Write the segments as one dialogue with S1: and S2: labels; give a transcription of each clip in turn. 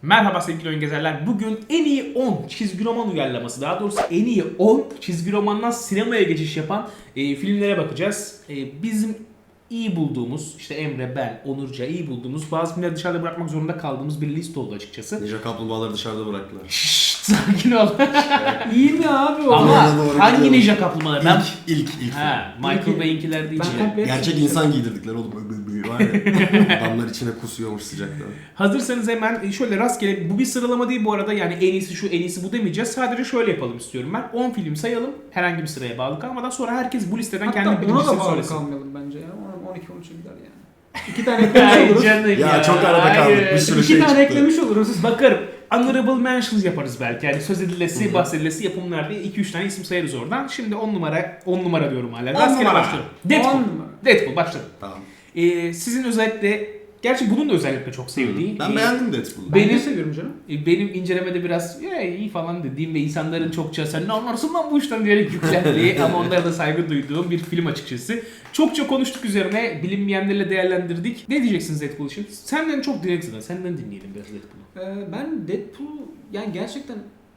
S1: Merhaba sevgili oyun gezerler. Bugün en iyi 10 çizgi roman uyarlaması, daha doğrusu en iyi 10 çizgi romandan sinemaya geçiş yapan filmlere bakacağız. Bizim iyi bulduğumuz, işte Emre, ben, Onurca iyi bulduğumuz, bazı filmleri dışarıda bırakmak zorunda kaldığımız bir liste oldu açıkçası.
S2: Ninja kaplumbağaları dışarıda bıraktılar.
S1: Şşşt, sakin ol.
S3: İyi mi abi o?
S1: Ama
S2: doğru
S1: hangi
S2: gidiyorum.
S1: ninja kaplumbağalar? Ben...
S2: İlk
S1: Ha, Michael
S3: İlki-
S1: Bay'inkiler değil.
S3: Ben komple-
S2: Gerçek insan giydirdikler oğlum. Var ya. Adamlar içine kusuyormuş sıcaktan.
S1: Hazırsanız hemen şöyle rastgele, bu bir sıralama değil bu arada, yani en iyisi şu en iyisi bu demeyeceğiz. Sadece şöyle yapalım istiyorum ben. 10 film sayalım, herhangi bir sıraya bağlı kalmadan, sonra herkes bu listeden kendi
S3: Hatta ona da
S1: birincisini
S3: bağlı
S1: söylesin.
S3: kalmayalım bence ya. 12-13'e gider yani. 2 tane eklemiş
S1: Ay
S3: oluruz.
S1: canım
S2: Ya çok arada kaldık.
S1: hayır.
S2: Bir sürü
S3: 2
S2: şey
S3: tane
S2: çıktı.
S3: eklemiş oluruz.
S1: Bakarım. Honorable mentions yaparız belki. Yani söz edilesi, bahsedilesi yapımlar diye 2-3 tane isim sayarız oradan. Şimdi 10 numara diyorum hala.
S2: 10
S1: Rastgele
S2: numara.
S1: başlıyorum. Deadpool.
S3: 10 numara.
S1: Deadpool başladım.
S2: Tamam.
S1: Sizin özellikle, gerçi bunun da özellikle çok sevdiği.
S2: Ben beğendim Deadpool'u.
S3: Ben
S1: Benim-
S3: de seviyorum canım.
S1: Benim incelemede biraz iyi falan dediğim ve insanların çokça sen ne anlarsın lan bu işten diyerek yüklendiği ama onlara da saygı duyduğum bir film açıkçası. Çokça konuştuk üzerine, bilinmeyenlerle değerlendirdik. Ne diyeceksiniz Deadpool için? Senden çok direkt zaten. Senden dinleyelim biraz Deadpool'u.
S3: Ben Deadpool yani gerçekten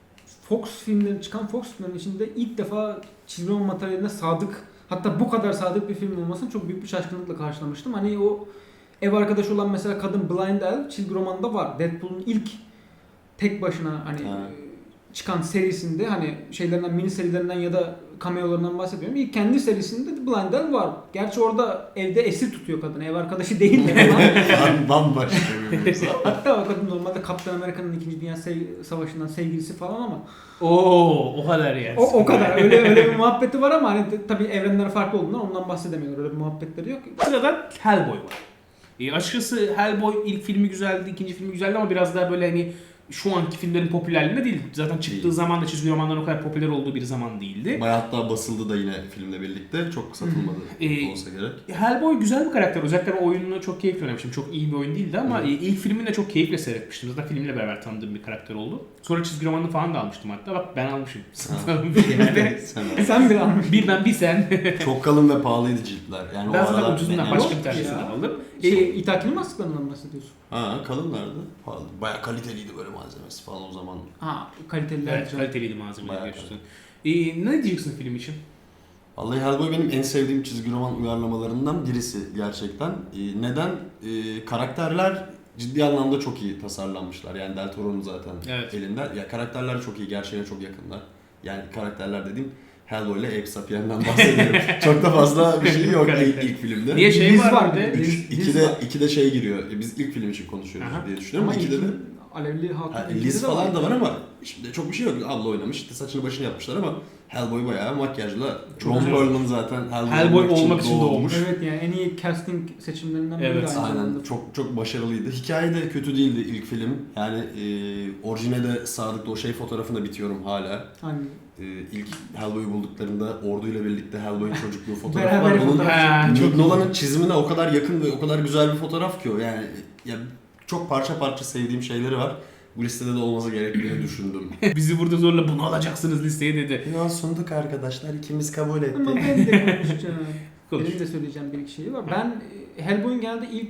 S3: çıkan Fox filmlerinin içinde ilk defa çizgi roman materyaline sadık, hatta bu kadar sadık bir film olmasını çok büyük bir şaşkınlıkla karşılamıştım. Hani o ev arkadaşı olan mesela kadın Blind Elf çizgi romanında var. Deadpool'un ilk tek başına hani
S2: Ha.
S3: çıkan serisinde, hani şeylerinden, mini serilerinden ya da cameolarından bahsediyorum. İlk kendi serisinde Blind Elf var. Gerçi orada evde esir tutuyor kadını. Ev arkadaşı değil de ama
S2: Bambaşka bir mevzu.
S3: hatta o kadın normalde Kaptan Amerika'nın 2. Dünya Savaşı'ndan sevgilisi falan ama
S1: O kadar yani.
S3: o kadar öyle bir muhabbeti var ama hani tabii evrenler farklı olduğundan ondan bahsedemiyorlar. Öyle bir muhabbetleri yok.
S1: Sırada Hellboy var. Açıkçası Hellboy ilk filmi güzeldi, ikinci filmi güzeldi ama biraz daha böyle hani şu anki filmlerin popülerliğinde değil. Zaten çıktığı
S2: Değil.
S1: zaman da çizgi romanların o kadar popüler olduğu bir zaman değildi.
S2: Bayağı hatta basıldı da yine filmle birlikte. Çok satılmadı olsa gerek.
S1: Hellboy güzel bir karakter. Özellikle ben oyununu çok keyifle oynamıştım. Çok iyi bir oyun değildi ama ilk filmini de çok keyifle seyretmiştim. Zaten filmle beraber tanıdığım bir karakter oldu. Sonra çizgi romanını falan da almıştım hatta. Bak ben almışım. Yani.
S3: Sen bir almış.
S1: Bir ben bir sen.
S2: Çok kalın ve pahalıydı ciltler. Yani
S1: Ben
S2: o
S1: zaten
S2: aralar
S1: ucuzundan
S2: yani-
S1: başka bir
S3: Yok
S1: tanesini
S3: ya.
S1: aldım.
S3: İthakili masklarından bahsediyorsun.
S2: Ha, kalınlardı. Pahalı. Bayağı kaliteliydi böyle malzemesi falan o zaman.
S3: Ha, kaliteliler.
S1: Evet,
S3: güzel.
S1: kaliteliydi malzemeler
S2: Bayağı
S1: gerçekten. Ne diyeceksin film için?
S2: Vallahi Hellboy benim en sevdiğim çizgi roman uyarlamalarından birisi gerçekten. Neden? Karakterler ciddi anlamda çok iyi tasarlanmışlar. Yani Del Toro'nun zaten
S1: Evet.
S2: elinde. Ya karakterler çok iyi, gerçeğe çok yakınlar. Yani karakterler dediğim Hellboy ile Abe Sapien'den bahsediyorum. Çok da fazla bir şey yok
S1: Karakter.
S2: ilk filmde.
S1: Niye şey
S3: Liz
S1: var
S3: var
S1: bir de?
S3: bir de. Liz var.
S2: İkide şey giriyor. Biz ilk film için konuşuyoruz
S1: Aha.
S2: diye düşünüyorum.
S3: Ama
S2: İkide de
S3: Alevli Hatun.
S2: Liz falan da var ama şimdi çok bir şey yok. Abla oynamış, işte saçını başını yapmışlar ama Hellboy bayağı makyajla. Ron
S1: güzel.
S2: Perlman zaten
S1: Hellboy olmak için doğmuş.
S3: Evet yani en iyi casting seçimlerinden biri
S1: Evet,
S3: aynı
S2: Aynen,
S3: zamanda.
S2: çok başarılıydı. Hikaye de kötü değildi ilk film. Yani orijinale sadık o şey fotoğrafına bitiyorum hala.
S3: Hani
S2: İlk Hellboy'u bulduklarında orduyla birlikte Hellboy'un çocukluğu fotoğrafı
S3: Beraber
S2: var. Bunun
S3: fotoğraf
S1: Ha, çok
S2: Nolan'ın çizimine o kadar yakın ve o kadar güzel bir fotoğraf ki o. Yani ya çok parça parça sevdiğim şeyleri var. Bu listede de olması gerektiğini düşündüm.
S1: Bizi burada zorla bunu alacaksınız listeye dedi.
S2: Ya sunduk arkadaşlar, ikimiz kabul ettik.
S3: ama ben de konuşacağım.
S1: Konuş.
S3: Benim de söyleyeceğim bir iki şeyi var. Ben Hellboy'un genelde ilk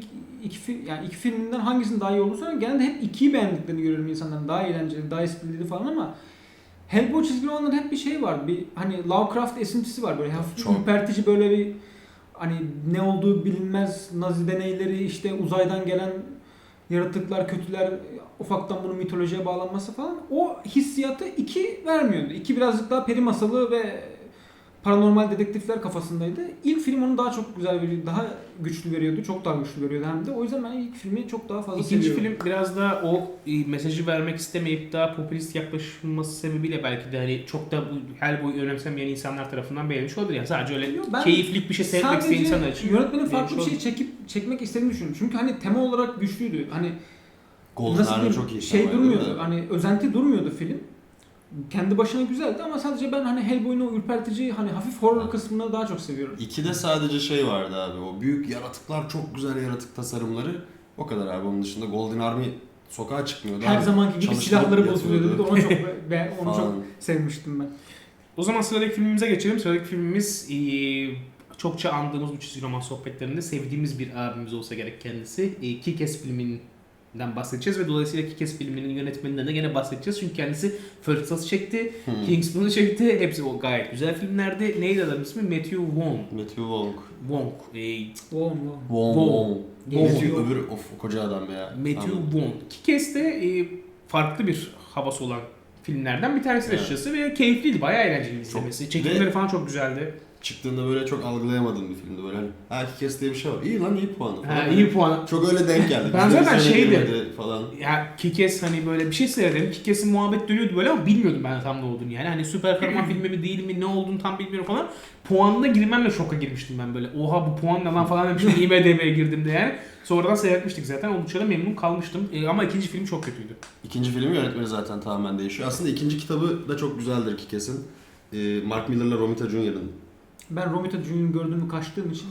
S3: iki filminden hangisinin daha iyi olduğunu genelde hep ikiyi beğendiklerini görüyorum insanların. Daha eğlenceli, daha esprili falan ama Hellboy çizgi romanlarında hep bir şey var. Bir hani Lovecraft esintisi var, böyle hafif
S2: Çok.
S3: ürpertici, böyle bir hani ne olduğu bilinmez Nazi deneyleri, işte uzaydan gelen yaratıklar, kötüler, ufaktan bunun mitolojiye bağlanması falan, o hissiyatı 2 vermiyordu. 2 birazcık daha peri masalı ve paranormal dedektifler kafasındaydı. İlk film onu daha çok güzel veriyordu, daha güçlü veriyordu, çok daha güçlü veriyordu hem de. O yüzden ben ilk filmi çok daha fazla
S1: İkinci
S3: seviyorum.
S1: film biraz da o mesajı vermek istemeyip daha popülist yaklaşılması sebebiyle belki de hani çok da bu Hellboy'u önemsemeyen insanlar tarafından beğenmiş olabilir. Yani sadece öyle
S3: Yok, ben
S1: keyiflik bir şey seyretmek isteyen insanlar için.
S3: yönetmenin farklı bir
S1: beğenmiş
S3: şey çekmek istediğini düşünüyorum. Çünkü hani tema olarak güçlüydü. Hani
S2: Golden
S3: nasıl
S2: Arrow
S3: diyeyim,
S2: çok iyi.
S3: şey
S2: temaydı
S3: durmuyordu.
S2: da.
S3: Hani özenti durmuyordu film. Kendi başına güzeldi ama sadece ben hani Hellboy'un o ürpertici, hani hafif horror kısmını daha çok seviyorum.
S2: İkide sadece şey vardı abi, o büyük yaratıklar, çok güzel yaratık tasarımları. O kadar abi, onun dışında Golden Army sokağa çıkmıyordu.
S3: Her
S2: abi.
S3: zamanki gibi
S2: Çalıştırıp
S3: silahları bozuluyordu. Bir de
S2: yatıyordu.
S3: onu çok
S2: Falan.
S3: sevmiştim ben.
S1: O zaman sıradaki filmimize geçelim. Sıradaki filmimiz çokça andığımız bu çizgi roman sohbetlerinde sevdiğimiz bir abimiz olsa gerek kendisi. Kick-Ass filminin bahsedeceğiz ve dolayısıyla Kick-Ass filminin yönetmeninden de gene bahsedeceğiz. Çünkü kendisi First Class'ı çekti, Kingsman'ı çekti. Hepsi o gayet güzel filmlerdi. Neydi adamın ismi? Matthew Vaughn.
S2: Matthew Wong.
S1: Wong.
S3: Wong.
S2: Wong.
S1: Wong.
S2: Matthew öbür o koca adam ya.
S1: Matthew
S2: Anladım.
S1: Vaughn. Kick-Ass de farklı bir havası olan filmlerden bir tanesi
S2: Evet.
S1: açıkçası ve keyifliydi. Bayağı eğlenceli izlemesi. Çekimleri
S2: Ve-
S1: falan çok güzeldi.
S2: Çıktığında böyle çok algılayamadığım bir filmdi böyle hani. Ha Kick-Ass diye bir şey var. İyi lan iyi puanı falan.
S1: Ha, iyi puan.
S2: Çok öyle denk geldi.
S1: Ben
S2: Bizde
S1: zaten
S2: vizyona
S1: şeydi.
S2: girmedi falan.
S1: Ya Kick-Ass hani böyle bir şey seyrederim. Kick-Ass'in muhabbet dönüyordu böyle ama bilmiyordum ben tam ne olduğunu yani. Hani süper kahraman filmi mi değil mi ne olduğunu tam bilmiyorum falan. Puanına girmemle şoka girmiştim ben böyle. Oha bu puan ne lan falan demiştim. IMDb'ye girdim de yani. Sonradan seyretmiştik zaten. Oldukça da memnun kalmıştım. Ama ikinci film çok kötüydü.
S2: İkinci filmin yönetmeni zaten tamamen değişiyor. Aslında ikinci kitabı da çok güzeldir Kick-Ass'in. Mark Miller'la Romita Jr.'ın.
S3: Ben Romita Junior'ı gördüğümü kaçtığım için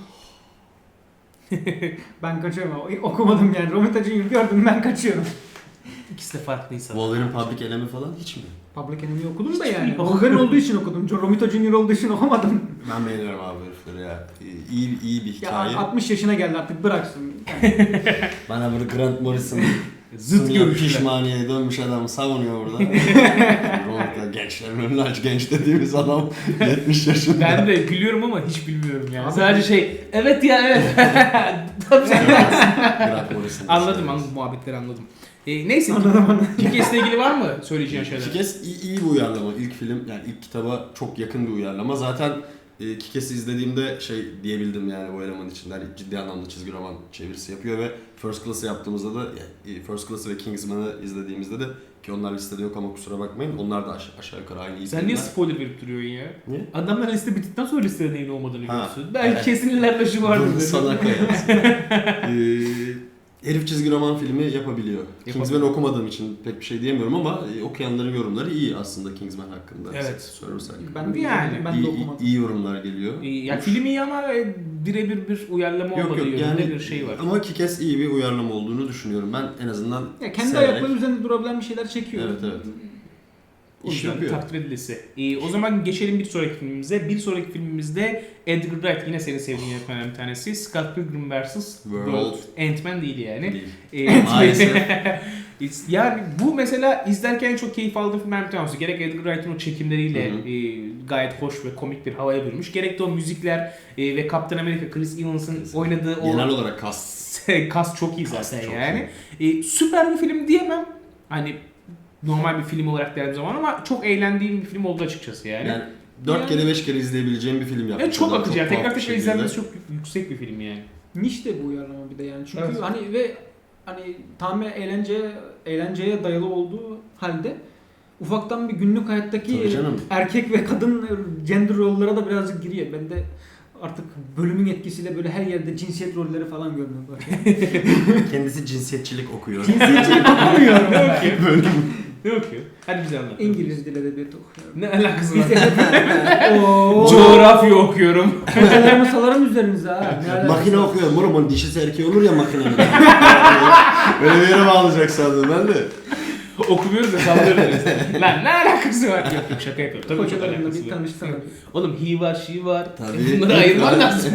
S3: ben kaçıyorum. Okumadım yani. Romita Junior gördüm ben kaçıyorum.
S1: İkisi de farklı insan.
S2: Wolverine Public Enemy falan hiç mi?
S3: Public Enemy'yi okudum da
S1: Hiç
S3: yani.
S1: bilmiyorum.
S3: Wolverine olduğu için okudum. Romita Junior olduğu için okumadım.
S2: Ben beğeniyorum abi herifleri ya. İyi bir
S3: Ya
S2: hikaye.
S3: 60 yaşına geldi artık bıraksın.
S2: Bana burada Grant Morrison
S1: Zıt görüşler.
S2: pişmaniye dönmüş adam savunuyor burada. Romita gençlerin önünü aç genç dediğimiz adam 70 yaşında.
S1: Ben de gülüyorum ama hiç bilmiyorum yani.
S3: Abi-
S1: Sadece evet ya evet. Tabii canım.
S2: Grant Morrison.
S1: Anladım muhabbetleri anladım. Neyse Kick-Ass'le ilgili var mı söyleyeceğin şeyler?
S2: Kick-Ass iyi bir uyarlama. İlk film yani ilk kitaba çok yakın bir uyarlama. Zaten Kick-Ass'i izlediğimde şey diyebildim yani bu eleman içinde hani ciddi anlamda çizgi roman çevirisi yapıyor ve First Class'ı yaptığımızda da First Class'ı ve Kingsman'ı izlediğimizde de ki onlar listede yok ama kusura bakmayın onlar da aşağı yukarı aynı iyi
S1: Sen niye
S2: filmler.
S1: spoiler verip duruyorsun ya?
S2: Niye?
S1: Adamlar liste bittikten sonra listede neyin olmadığını
S2: Ha,
S1: görürsün. Belki
S2: evet.
S1: kesin ileride şu vardır.
S2: Bunu sana herif çizgi roman filmi yapabiliyor. Kingsman'ı okumadığım için pek bir şey diyemiyorum ama okuyanların yorumları iyi aslında Kingsman hakkında.
S1: Evet.
S2: Sorursak.
S3: Ben de
S1: Yani.
S3: ben de okumadım.
S2: İyi yorumlar geliyor.
S1: Ya film iyi ama birebir bir uyarlama
S2: Yok
S1: olmadığı
S2: yok
S1: yönünde
S2: yani
S1: bir şey var.
S2: ama Kick-Ass iyi bir uyarlama olduğunu düşünüyorum. Ben en azından
S3: Ya kendi
S2: severek-
S3: ayakları üzerinde durabilen bir şeyler çekiyor.
S2: Evet evet.
S1: O
S2: İş
S1: yüzden
S2: yapıyor.
S1: takdir edilisi. O zaman geçelim bir sonraki filmimize. Bir sonraki filmimizde Edgar Wright yine senin sevdiğin yönetmenlerden bir tanesi. Scott Pilgrim vs. World. Ant-Man değil yani.
S2: Değil. Maalesef.
S1: Yani bu mesela izlerken çok keyif aldığım filmler bir tanesi. Gerek Edgar Wright'ın o çekimleriyle
S2: Hı hı.
S1: gayet hoş ve komik bir havaya bürünmüş. Gerek de o müzikler ve Captain America Chris Evans'ın oynadığı o
S2: Genel olarak kas.
S1: kas çok iyi zaten
S2: çok
S1: yani. Süper bir film diyemem. Hani normal bir film olarak değerli zaman ama çok eğlendiğim bir film oldu açıkçası yani.
S2: Yani 4
S1: Yani-
S2: kere 5 kere izleyebileceğim bir film yapmış.
S1: çok
S2: adam,
S1: akıcı yani. Tekrar
S2: tuhaf bir
S1: tekrar
S2: şekilde.
S1: izlenmesi çok yüksek bir film yani.
S3: Niş de bu uyarlama bir de yani. Çünkü
S1: Evet.
S3: hani ve hani tamamen eğlenceye dayalı olduğu halde ufaktan bir günlük hayattaki
S2: Tabii canım.
S3: erkek ve kadın gender rollara da birazcık giriyor. Ben de artık bölümün etkisiyle böyle her yerde cinsiyet rolleri falan görmeye başladım.
S2: Kendisi cinsiyetçilik okuyor.
S3: Cinsiyetçilik okumuyorum ben.
S2: Bölüm.
S1: Ne okuyor? Hadi bize anlat.
S3: İngiliz dil edebiyatı okuyorum.
S1: Ne alakası var?
S3: Ooo.
S1: Coğrafya okuyorum.
S3: Hocalarımı salarım üzerinize ha. Ne alakası
S2: Makine
S3: var?
S2: okuyorum oğlum onun dişisi erkeği olur ya makinenin. Öyle bir yere bağlayacak sandım ben de.
S1: Okumuyoruz da sallıyoruz. Lan ne alakası var? Yok yok şaka yapıyorum. Tabii çok
S3: Hocalarımla
S1: alakası
S3: bir
S1: var.
S3: tanışsana.
S1: Oğlum he var she var.
S2: Tabii.
S1: Bunları ayırman lazım.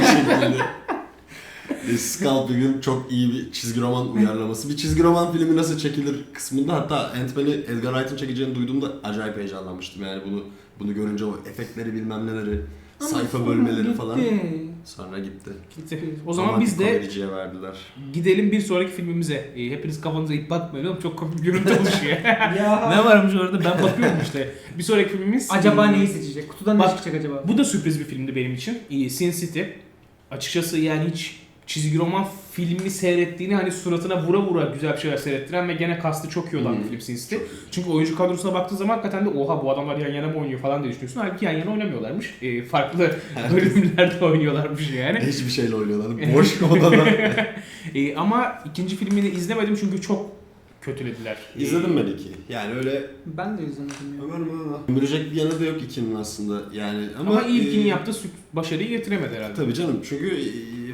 S2: Scalping'in çok iyi bir çizgi roman uyarlaması. Bir çizgi roman filmi nasıl çekilir kısmında hatta Ant-Man'i Edgar Wright'ın çekeceğini duyduğumda acayip heyecanlanmıştım. Yani bunu görünce o efektleri bilmem neleri,
S3: Ama
S2: sayfa
S3: sonra
S2: bölmeleri
S3: gitti.
S2: falan. Sonra gitti.
S1: O zaman
S2: Romantik
S1: biz de
S2: komediciye verdiler.
S1: gidelim bir sonraki filmimize. Hepiniz kafanıza ip bakmayın oğlum çok komik bir görüntü oluşuyor.
S3: Ya.
S1: Ne varmış orada ben bakıyorum işte. Bir sonraki filmimiz...
S3: Acaba neyi seçecek? Kutudan ne
S1: Bak,
S3: çıkacak acaba?
S1: Bu da sürpriz bir filmdi benim için. Sin City. Açıkçası yani hiç çizgi roman filmi seyrettiğini hani suratına vura vura güzel bir şeyler seyrettiren ve gene kastı çok iyi olan bir film Sin City. Çünkü oyuncu kadrosuna baktığın zaman hakikaten de oha bu adamlar yan yana mı oynuyor falan diye düşünüyorsun. Halbuki yan yana oynamıyorlarmış. Farklı bölümlerde oynuyorlarmış yani.
S2: Hiçbir şeyle oynuyorlar. Boş odada.
S1: Ama ikinci filmini izlemedim çünkü çok kötülediler.
S2: İzledim ben iki. Yani öyle
S3: Ben de izlemedim ya.
S2: ömürecek bir yanı da yok ikinin aslında. Yani
S1: Ama ilkini yaptı başarıyı getiremedi herhalde.
S2: Tabii canım çünkü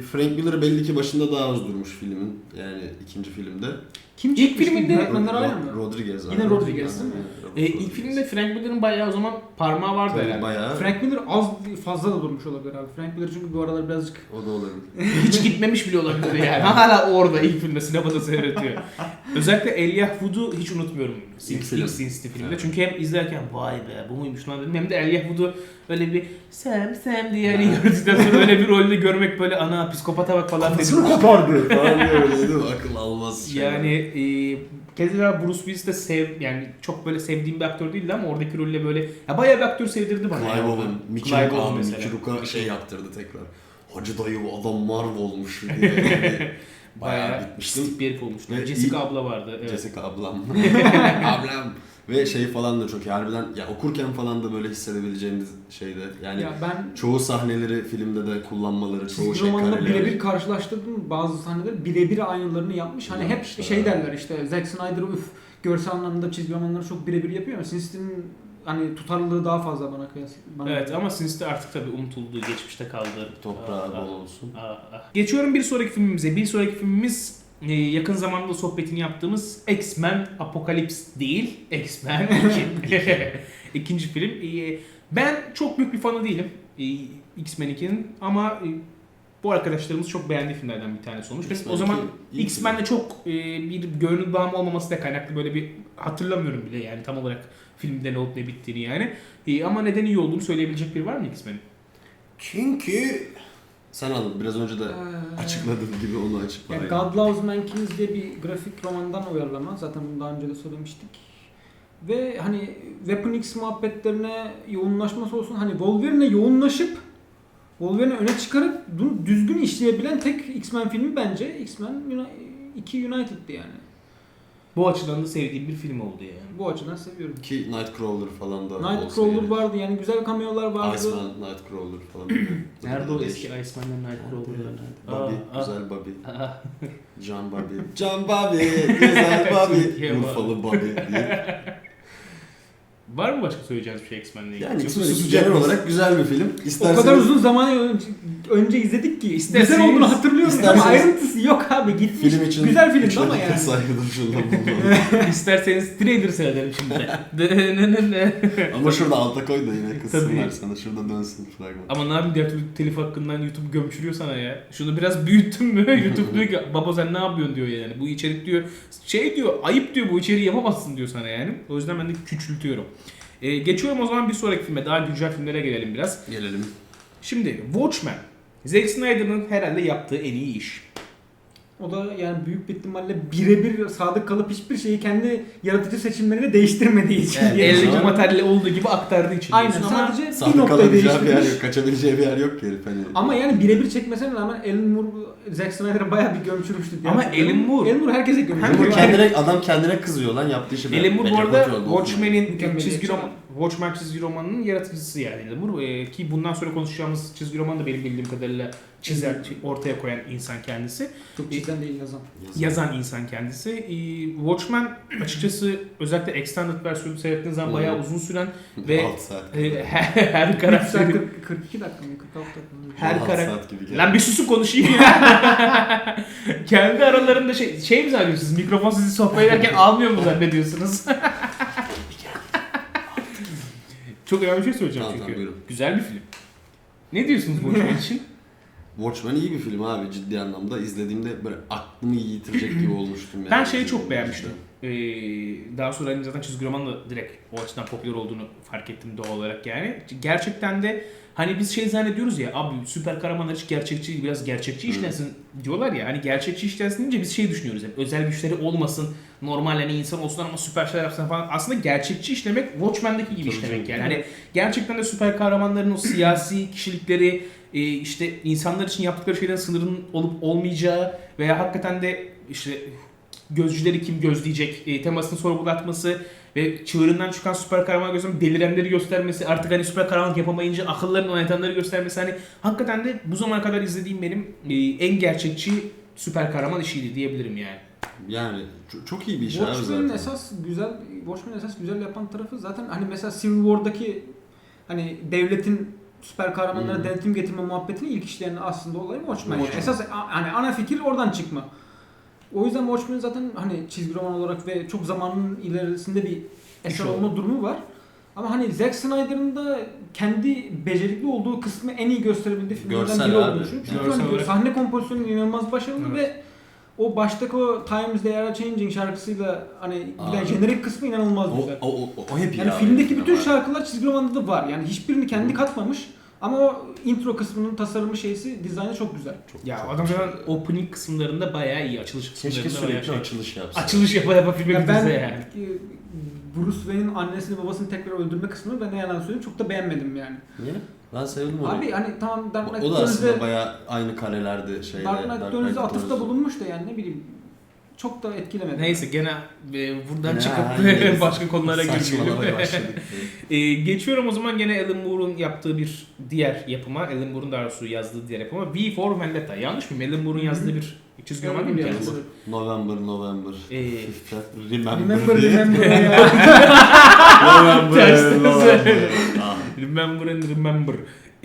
S2: Frank Miller belli ki başında daha az durmuş filmin. Yani ikinci filmde.
S3: Kim
S1: İlk
S3: çekmişti?
S1: filminde-
S3: Yönetmenler aynı mı?
S2: Rodriguez.
S3: Yine
S2: abi.
S3: Rodriguez değil mi?
S1: İlk filmde Frank Miller'ın bayağı o zaman parmağı vardı
S2: Tabii
S1: herhalde.
S2: bayağı.
S3: Frank Miller az fazla da durmuş olabilir abi. Frank Miller çünkü bu aralar birazcık
S2: O da olabilir.
S1: Hiç gitmemiş bile olabilir yani. Hala orada ilk filmde sinemada seyrediyor. Özellikle Elijah Wood'u hiç unutmuyorum.
S2: İlk film.
S1: İlk Sin City filmde.
S2: Evet.
S1: Çünkü hem izlerken vay be bu muymuş lan dedim. Hem de Elijah Wood'u böyle bir Sam diye hani gördükten sonra öyle bir rolde görmek böyle ana psikopata bak falan dedim.
S2: kopardı falan diye öyle değil mi? Akıl almaz şey.
S1: Yani keza Bruce Willis de yani çok böyle sevdiğim bir aktör değildi ama oradaki rolle böyle ya bayağı bir aktör sevdirdi bana.
S2: Clive
S1: yani.
S2: Owen, Mickey
S1: Clive
S2: Rourke
S1: Owen
S2: abi,
S1: mesela.
S2: Mickey Rourke'a şey yaptırdı tekrar. Hacı dayı bu adam Marvel olmuş diye. Yani bayağı bitmiştim.
S1: pislik bir herif olmuştu.
S2: Ve
S1: Jessica
S2: iyi-
S1: abla vardı. Evet.
S2: Jessica ablam. Ablam. Ve şey falan da çok iyi. Harbiden ya okurken falan da böyle hissedebileceğiniz şeyde. Yani
S3: ya ben
S2: çoğu sahneleri filmde de kullanmaları, çoğu
S3: çizgi
S2: şey
S3: romanla
S2: kareler.
S3: birebir karşılaştırdım bazı sahneleri birebir aynılarını yapmış. Hani hep
S2: Yapmışlar
S3: şey
S2: abi.
S3: derler işte Zack Snyder görsel anlamda çizgi romanları çok birebir yapıyor ama Sin City'nin hani tutarlılığı daha fazla bana kıyasla.
S1: Evet ama Sin City artık tabii unutuldu, geçmişte kaldı.
S2: Toprağı bol olsun.
S1: Geçiyorum bir sonraki filmimize. Bir sonraki filmimiz yakın zamanda sohbetini yaptığımız X-Men Apocalypse değil, X-Men 2. İkinci film. Ben çok büyük bir fanı değilim X-Men 2'nin ama bu arkadaşlarımız çok beğendiği filmlerden bir tanesi olmuş. Benim o zaman X-Men'le çok bir gönül bağım olmaması da kaynaklı böyle bir hatırlamıyorum bile yani tam olarak filmde ne olup ne bittiğini yani. Ama neden iyi olduğunu söyleyebilecek biri var mı X-Men'in?
S2: Çünkü sen anladın. Biraz önce de açıkladığın gibi onu açıkla.
S3: Yani
S2: Aynen.
S3: God Loves Mankind diye bir grafik romandan uyarlama. Zaten bunu daha önce de söylemiştik. Ve hani Weapon X muhabbetlerine yoğunlaşması olsun. Hani Wolverine'e yoğunlaşıp Wolverine'i öne çıkarıp bunu düzgün işleyebilen tek X-Men filmi bence X-Men 2 United'dı yani.
S1: Bu açıdan da sevdiğim bir film oldu yani.
S3: Bu açıdan seviyorum.
S2: Ki Nightcrawler falan da
S3: Nightcrawler
S2: gerek.
S3: vardı yani güzel cameo'lar vardı.
S2: Iceman, Nightcrawler falan.
S1: Nerede o
S2: Değişik.
S1: eski Iceman'la Nightcrawler'lar?
S2: Bobby,
S1: Aa,
S2: güzel Bobby.
S1: aa.
S2: John Bobby. John Bobby, güzel Bobby.
S1: Türkiye var.
S2: Urfalı Bobby diye.
S1: Var mı başka söyleyeceğiniz bir şey X-Men'le ilgili?
S2: Yani
S1: Yoksa
S2: X-Men
S1: susacak
S2: genel
S1: mıyız?
S2: olarak güzel bir film.
S3: O
S2: İsterseniz,
S3: kadar uzun zaman önce izledik ki güzel olduğunu hatırlıyorum ama
S2: İsterseniz-
S3: ayrıntısı yok abi gitmiş.
S2: film için
S3: güzel filmdi
S2: 3
S3: ama
S2: dakika
S3: yani.
S2: saygı duruşunda bulunalım.
S1: İsterseniz trailer seyredelim şimdi.
S2: Ama şurada alta koy da yine kızsınlar
S1: Tabii.
S2: sana. Şurada dönsün fragman.
S1: Ama ne yapayım diğer türlü telif hakkından YouTube gömçürüyor sana ya. Şunu biraz büyüttün mü YouTube diyor ki baba sen ne yapıyorsun diyor yani. Bu içerik diyor şey diyor ayıp diyor bu içeriği yapamazsın diyor sana yani. O yüzden ben de küçültüyorum. Geçiyorum o zaman bir sonraki filme daha güncel filmlere gelelim biraz.
S2: Gelelim.
S1: Şimdi Watchmen. Zack Snyder'ın herhalde yaptığı en iyi iş.
S3: O da yani büyük bir ihtimalle birebir sadık kalıp hiçbir şeyi kendi yaratıcı seçimleriyle değiştirmediği için.
S1: Yani
S3: diye
S1: eldeki
S3: düşünüyorum.
S1: materyali olduğu gibi aktardığı için.
S3: Aynen
S1: diyorsun ama
S3: sadece bir
S2: Sahte
S3: noktayı
S2: kalabileceği bir yer
S3: değiştirmiş.
S2: yok. Kaçabileceği bir yer yok ki herif hani.
S3: Ama yani birebir çekmesine rağmen Alan Moore Zack Snyder'a bayağı bir gömçürmüştü. diye
S1: Ama
S3: hatırlıyorum.
S1: Alan Moore
S3: herkese
S1: Hem
S3: gömçürmüş.
S2: Adam kendine kızıyor lan yaptığı işi.
S1: Alan Moore bu arada Watchmen'in
S3: Mükemmel
S1: çizgi
S3: yapacak.
S1: roman, Watchmen çizgi romanının yaratıcısı yani Alan Moore. Ki bundan sonra konuşacağımız çizgi roman da benim bildiğim kadarıyla çizer, ortaya koyan insan kendisi.
S3: Çok çizden değil yazan.
S1: Yazan insan kendisi. Watchmen açıkçası özellikle extended versiyonu seyrettiğiniz zaman bayağı uzun süren ve
S2: 6 saat.
S1: her
S3: 42
S1: karakteri...
S3: dakika, 42 dakika mı? 46 dakika mı?
S1: Her
S2: 6
S1: karakter...
S2: saat gibi geldi.
S1: Lan bir susun konuşayım ya. Kendi aralarında şey mi zannediyorsunuz? Mikrofon sizi sohbet ederken almıyor mu zannediyorsunuz? Çok önemli bir şey söyleyeceğim
S2: Tamam,
S1: çünkü.
S2: tamam, buyurun.
S1: Güzel bir film. Ne diyorsunuz bu film için?
S2: Watchmen iyi bir film abi ciddi anlamda. İzlediğimde böyle aklımı yitirecek gibi olmuştum yani.
S1: Ben şeyi çok beğenmiştim. Daha sonra hani zaten çizgi romanla direkt o açıdan popüler olduğunu fark ettim doğal olarak yani. Gerçekten de hani biz şey zannediyoruz ya abi süper kahramanlar hiç gerçekçi biraz gerçekçi işlensin diyorlar ya. Hani gerçekçi işlensin deyince biz şey düşünüyoruz hep özel güçleri olmasın normal hani insan olsun ama süper şeyler yapsın falan. Aslında gerçekçi işlemek Watchmen'deki gibi işlemek yani. Hani gerçekten de süper kahramanların o siyasi kişilikleri işte insanlar için yaptıkları şeylerin sınırının olup olmayacağı veya hakikaten de işte gözcüleri kim gözleyecek temasını sorgulatması ve çığırından çıkan süper kahraman göstermesi, delirenleri göstermesi, artık hani süper kahramanlık yapamayınca akıllarını oynatanları göstermesi hani hakikaten de bu zamana kadar izlediğim benim en gerçekçi süper kahraman işiydi diyebilirim yani.
S2: Yani çok iyi bir iş abi
S3: Watchmen'in
S2: zaten.
S3: esas güzel yapan tarafı zaten hani mesela Civil War'daki hani devletin süper kahramanlara denetim getirme muhabbetini ilk işleyen aslında olayı Watchmen. Yani esas hani ana fikir oradan çıkma. O yüzden Watchmen zaten hani çizgi roman olarak ve çok zamanın ilerisinde bir eser olma durumu var. Ama hani Zack Snyder'ın da kendi becerikli olduğu kısmı en iyi gösterebildiği filmlerden biri olduğunu düşünüyorum. Çünkü hani sahne kompozisyonu inanılmaz başarılı ve o baştaki o Times They Are Changing şarkısıyla hani bir jenerik kısmı inanılmaz güzel.
S2: O hep
S3: yani filmdeki bütün şarkılar çizgi romanda da var. Yani hiçbirini kendi katmamış. Ama o intro kısmının tasarımı şeysi, dizaynı çok güzel.
S1: Ya adam zaten opening kısımlarında bayağı iyi, açılış kısımlarında
S2: keşke sürekli açılış yapsa.
S1: Açılış yapa filme
S3: Ya
S1: bitirse yani.
S3: Bruce Wayne'in annesini babasını tekrar öldürme kısmını ben ne yalan söyleyeyim çok da beğenmedim yani.
S2: Niye? Ben sevdim onu.
S3: Abi hani tamam Dark Knight
S2: o da aslında bayağı aynı karelerdi şeyle.
S3: Dark Knight Returns'e atıfta bulunmuş da yani ne bileyim çok da etkilemedi.
S1: Neyse gene buradan çıkıp başka konulara girmeyelim. Geçiyorum o zaman gene Alan Moore'un yaptığı bir diğer yapıma, Alan Moore'un daha doğrusu yazdığı diğer yapıma V for Vendetta. Yanlış mıyım? Alan Moore'un yazdığı bir çizgi roman değil mi kendisi?
S2: November.
S3: Remember ya.
S1: Remember.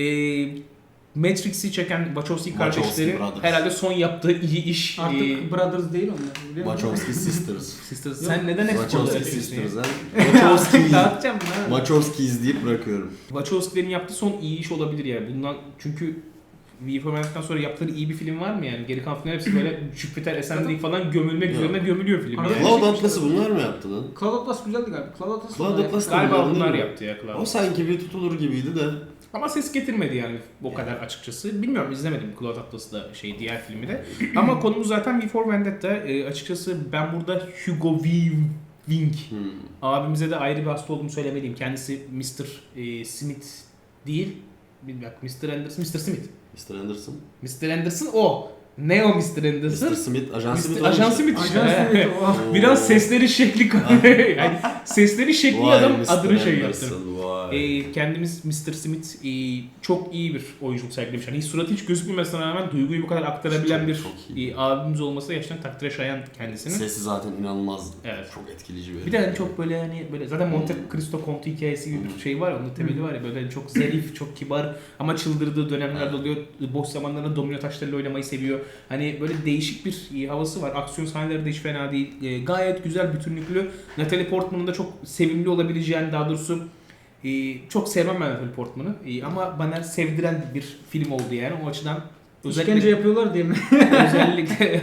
S1: Matrix'i çeken Wachowski kardeşleri herhalde son yaptığı iyi iş.
S3: Artık Brothers değil onlar.
S2: Wachowski Sisters.
S1: Sen neden hep
S2: Wachowski Sisters ha?
S3: Dağıtacağım bunu.
S2: Wachowski izleyip bırakıyorum.
S1: Wachowski'lerin yaptığı son iyi iş olabilir yani. Bundan çünkü V for Vendetta'dan sonra yaptıkları iyi bir film var mı yani? Geri kalan filmler hepsi böyle Jupiter Ascending falan gömülmek üzerine gömülüyor film. Yani.
S2: Cloud Atlas'ı bunlar mı yaptı lan?
S3: Cloud Atlas güzeldi galiba.
S2: Cloud Atlas
S1: galiba bunlar yaptı ya Cloud.
S2: O sanki bir tutulur gibiydi de.
S1: Ama ses getirmedi yani o kadar açıkçası. Bilmiyorum, izlemedim Cloud Atlas'ı da diğer filmi de. Ama konumuz zaten V for Vendetta. Açıkçası ben burada Hugo Weaving abimize de ayrı bir hasta olduğumu söylemeliyim. Kendisi Mr. Smith değil. Bilmiyorum, Mr. Anderson, Mr. Smith.
S2: Mr. Anderson.
S1: Mr. Anderson o. Ne o Mr. Anderson?
S2: Mr. Smith, Ajan Smith.
S1: Ajan Smith. Biraz sesleri şekli yani sesleri şekli adam adını yaptı. Kendimiz Mr. Smith çok iyi bir oyunculuk sergilemiş. Hani suratı hiç gözükmemesine rağmen duyguyu bu kadar aktarabilen bir abimiz olması gerçekten takdire şayan kendisini.
S2: Sesi zaten inanılmaz.
S1: Evet.
S2: Çok etkileyici bir.
S1: Bir de hani çok böyle hani böyle zaten Monte Cristo Conti hikayesi gibi bir şey var ya, onun temeli var ya, böyle hani çok zarif, çok kibar ama çıldırdığı dönemlerde oluyor. Boş zamanlarında domino taşlarıyla oynamayı seviyor. Hani böyle değişik bir havası var. Aksiyon sahneleri de hiç fena değil. Gayet güzel, bütünlüklü. Natalie Portman'ın da çok sevimli olabileceğini, daha doğrusu çok sevmem ben Natalie Portman'ı. Ama bana sevdiren bir film oldu yani. O açıdan
S3: İşkence yapıyorlar diye mi?
S1: özellikle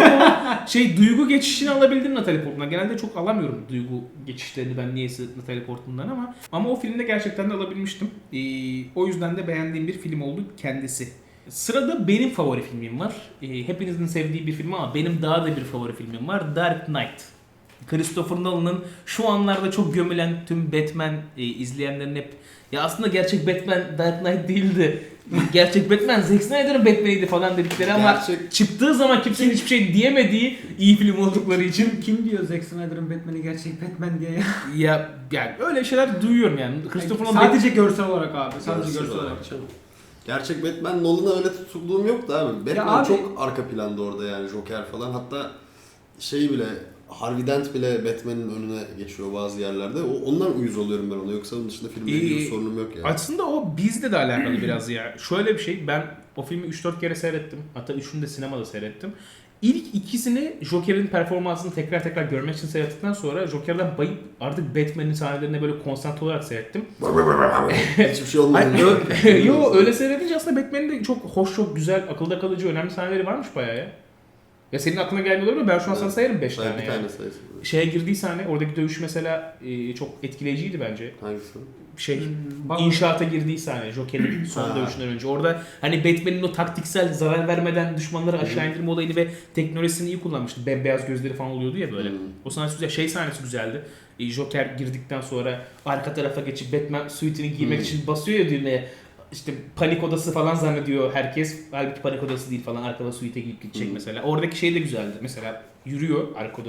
S1: duygu geçişini alabildim Natalie Portman'dan. Genelde çok alamıyorum duygu geçişlerini ben niyeyse Natalie Portman'dan ama o filmde gerçekten de alabilmiştim. O yüzden de beğendiğim bir film oldu kendisi. Sırada benim favori filmim var. Hepinizin sevdiği bir film ama benim daha da bir favori filmim var. Dark Knight. Christopher Nolan'ın şu anlarda çok gömülen tüm Batman izleyenlerin hep ya aslında gerçek Batman Dark Knight değildi. Gerçek Batman Zack Snyder'ın Batman'iydi falan dedikleri ama çıktığı zaman kimsenin hiçbir şey diyemediği iyi film oldukları için.
S3: Kim diyor Zack Snyder'ın Batman'i gerçek Batman diye ya?
S1: Yani öyle şeyler duyuyorum yani.
S3: Christopher Nolan sadece görsel olarak abi. Sadece görsel olarak.
S2: Gerçek Batman Nolan'a öyle tutulduğum yoktu abi. Batman abi, çok arka planda orada yani, Joker falan. Hatta bile Harvey Dent bile Batman'in önüne geçiyor bazı yerlerde. Ondan uyuz oluyorum ben ona. Yoksa onun dışında filmle ilgili bir sorunum yok yani.
S1: Aslında o bizde de alakalı biraz ya. Şöyle bir şey, ben o filmi 3-4 kere seyrettim. Hatta 3'ünü de sinemada seyrettim. İlk ikisini Joker'in performansını tekrar görmek için seyrettikten sonra Joker'den bayıp artık Batman'in sahnelerine böyle konsantre olarak seyrettim.
S2: Hiçbir şey olmadı.
S1: Yo, öyle seyredince aslında Batman'in de çok hoş, çok güzel, akılda kalıcı, önemli sahneleri varmış bayağı ya. Ya senin aklına gelmiyor olabilir mi? Ben şu an sana sayarım 5 tane
S2: bir tane sayısın.
S1: Şeye girdiği sahne, oradaki dövüş mesela çok etkileyiciydi bence.
S2: Hangisi?
S1: İnşaata girdiği sahne, Joker'in son dövüşünden önce. Orada hani Batman'in o taktiksel zarar vermeden düşmanları aşağı indirme olayını ve teknolojisini iyi kullanmıştı. Bembeyaz gözleri falan oluyordu ya böyle. O sahnesi güzel. Sahnesi güzeldi. Joker girdikten sonra arka tarafa geçip Batman suite'ini giymek için basıyor ya düğmeye. İşte panik odası falan zannediyor herkes. Halbuki panik odası değil falan. Arkada suite'e gidip gidecek mesela. Oradaki şey de güzeldi. Mesela yürüyor arka odada.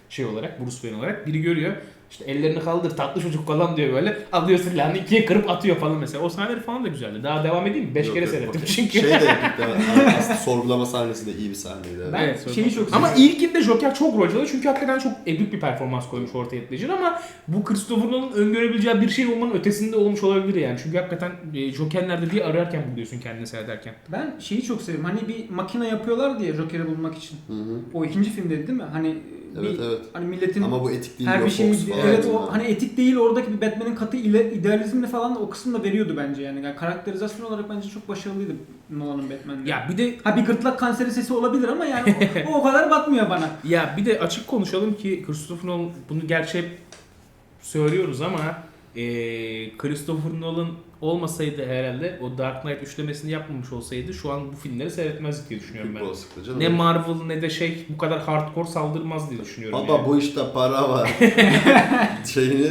S1: şey olarak, Bruce Wayne olarak. Biri görüyor. İşte ellerini kaldır tatlı çocuk falan diyor böyle. Alıyor silahını ikiye kırıp atıyor falan mesela. O sahneler falan da güzeldi. Daha devam edeyim mi? 5 kere seyrettim çünkü.
S2: Şey de epikti. Aslında sorgulama sahnesi de iyi bir sahneydi.
S3: Ben
S1: Evet,
S3: şeyi çok
S1: Ama
S3: seviyorum.
S1: ilkinde Joker çok rol çalıyor çünkü hakikaten çok epik bir performans koymuş ortaya Ledger ama bu Christopher Nolan'ın öngörebileceği bir şey olmanın ötesinde olmuş olabilir yani. Çünkü hakikaten Joker'lerde bir ararken buluyorsun kendini seyrederken.
S3: Ben şeyi çok seviyorum. Hani bir makine yapıyorlar diye Joker'i bulmak için.
S2: Hı hı.
S3: O ikinci filmdeydi değil mi? Hani
S2: Evet, evet.
S3: hani milletin
S2: Ama bu etik değil.
S3: her
S2: yok,
S3: bir şeyin
S2: Fox falan
S3: evet o
S2: yani.
S3: hani etik değil, oradaki bir Batman'in katı idealizmini falan da o kısımda veriyordu bence yani karakterizasyon olarak bence çok başarılıydı Nolan'ın Batman'de.
S1: Ya bir de
S3: Ha bir gırtlak kanseri sesi olabilir ama yani o kadar batmıyor bana.
S1: açık konuşalım ki Christopher Nolan bunu gerçi hep söylüyoruz ama Christopher Nolan olmasaydı herhalde o Dark Knight üçlemesini yapmamış olsaydı şu an bu filmleri seyretmezdik diye düşünüyorum
S2: Büyük
S1: ben.
S2: olasılıkla canım.
S1: Ne Marvel ne de bu kadar hardcore saldırmaz diye düşünüyorum.
S2: Baba
S1: yani.
S2: bu işte para var. Şeyini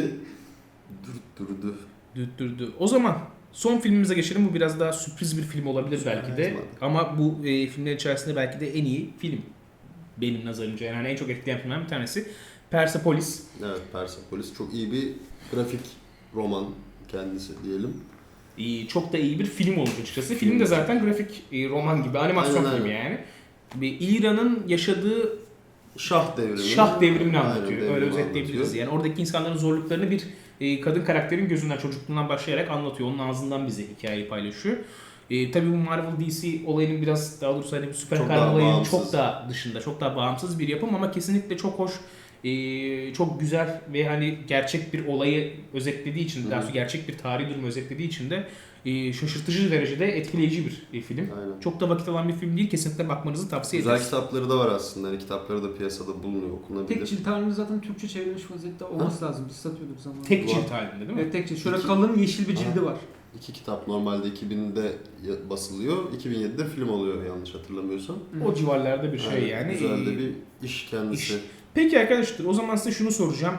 S2: durdu.
S1: Düttürdü. O zaman son filmimize geçelim. Bu biraz daha sürpriz bir film olabilir belki de.
S2: Evet.
S1: Ama bu filmlerin içerisinde belki de en iyi film. Benim nazarımca yani en çok etkileyen filmlerden bir tanesi. Persepolis.
S2: Evet, Persepolis çok iyi bir grafik roman kendisi diyelim.
S1: Çok da iyi bir film olmuş açıkçası. Film de zaten grafik roman gibi, animasyon
S2: Aynen,
S1: filmi
S2: aynen.
S1: yani. İran'ın yaşadığı
S2: Şah devrimini.
S1: şah devrimini
S2: Aynen,
S1: anlatıyor.
S2: devrimi
S1: Öyle özetleyebiliriz.
S2: anlatıyor.
S1: Yani oradaki insanların zorluklarını bir kadın karakterin gözünden, çocukluğundan başlayarak anlatıyor. Onun ağzından bize hikayeyi paylaşıyor. Tabii bu Marvel DC olayının biraz daha doğrusu hani bir süper
S2: Çok
S1: kahraman
S2: daha
S1: olayının
S2: bağımsız.
S1: çok daha dışında, çok daha bağımsız bir yapım ama kesinlikle çok hoş, çok güzel ve hani gerçek bir olayı özetlediği için, daha doğrusu gerçek bir tarihi durumu özetlediği için de şaşırtıcı derecede etkileyici bir film.
S2: Aynen.
S1: Çok da vakit alan bir film değil. Kesinlikle bakmanızı tavsiye
S2: Güzel
S1: ederiz.
S2: kitapları da var aslında. Hani kitapları da piyasada bulunuyor, okunabilir.
S3: Tek cilt halinde zaten Türkçe çevrilmiş vaziyette olması lazım. Biz satıyorduk zamanında.
S1: Tek cilt halinde değil mi?
S3: Evet tek cilt. Şöyle
S2: İki-
S3: kalın yeşil bir cildi var.
S2: 2 kitap normalde 2000'de basılıyor. 2007'de film oluyor yanlış hatırlamıyorsam.
S1: O civarlarda bir şey
S2: Aynen,
S1: yani.
S2: Güzel de bir iş kendisi.
S1: iş. Peki arkadaşlar o zaman size şunu soracağım.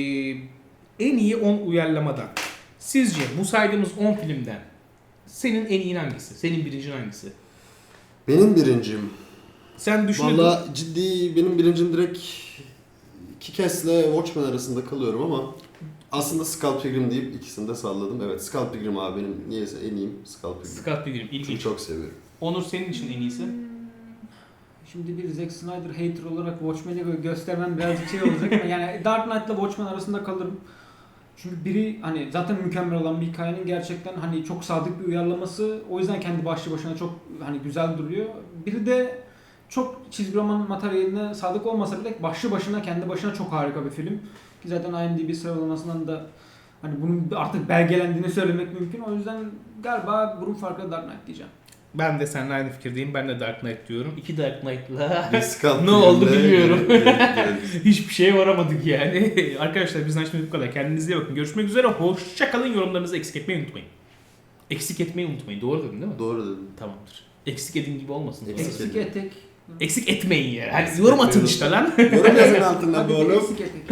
S1: En iyi 10 uyarlamadan sizce bu saydığımız 10 filmden senin en iyi hangisi? Senin birincin hangisi?
S2: Benim birincim.
S1: Sen düşünürdün.
S2: Valla ciddi benim birincim direkt Kick-Ass'le Watchmen arasında kalıyorum ama aslında Scott Pilgrim deyip ikisini de salladım. Evet, Scott Pilgrim abi benim niyeyse en iyiyim Scott Pilgrim.
S1: Scott Pilgrim
S2: Çünkü
S1: ilginç.
S2: çok seviyorum.
S1: Onur senin için en iyisi.
S3: Şimdi bir Zack Snyder hater olarak Watchmen'i göstermem birazcık şey olacak ama yani Dark Knight'la Watchmen arasında kalırım. Çünkü biri hani zaten mükemmel olan bir hikayenin gerçekten hani çok sadık bir uyarlaması. O yüzden kendi başlı başına çok hani güzel duruyor. Biri de çok çizgi roman materyaline sadık olmasa bile başlı başına kendi başına çok harika bir film. Ki zaten IMDb sıralamasından da hani bunun artık belgelendiğini söylemek mümkün. O yüzden galiba burun farklı Dark Knight diyeceğim.
S1: Ben de seninle aynı fikirdeyim. Ben de Dark Knight diyorum. 2 Dark Knight'la
S2: Bir Scott
S1: ne oldu
S2: Pilgrim'le
S1: bilmiyorum.
S2: gidelim.
S1: Hiçbir şeye varamadık yani. Arkadaşlar bizden şimdi bu kadar. Kendinize iyi bakın. Görüşmek üzere. Hoşça kalın. Yorumlarınızı eksik etmeyi unutmayın. Eksik etmeyi unutmayın. Doğru dedim değil mi?
S2: Doğru dedim.
S1: Tamamdır. Eksik edin gibi olmasın.
S2: Eksik
S3: Eksik etek.
S1: Eksik etmeyin yani. Hadi yorum atın işte lan.
S2: Yorum yazın altına
S3: Hadi
S2: bu oğlum.
S3: eksik etek.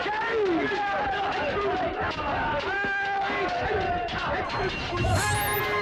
S4: Hey!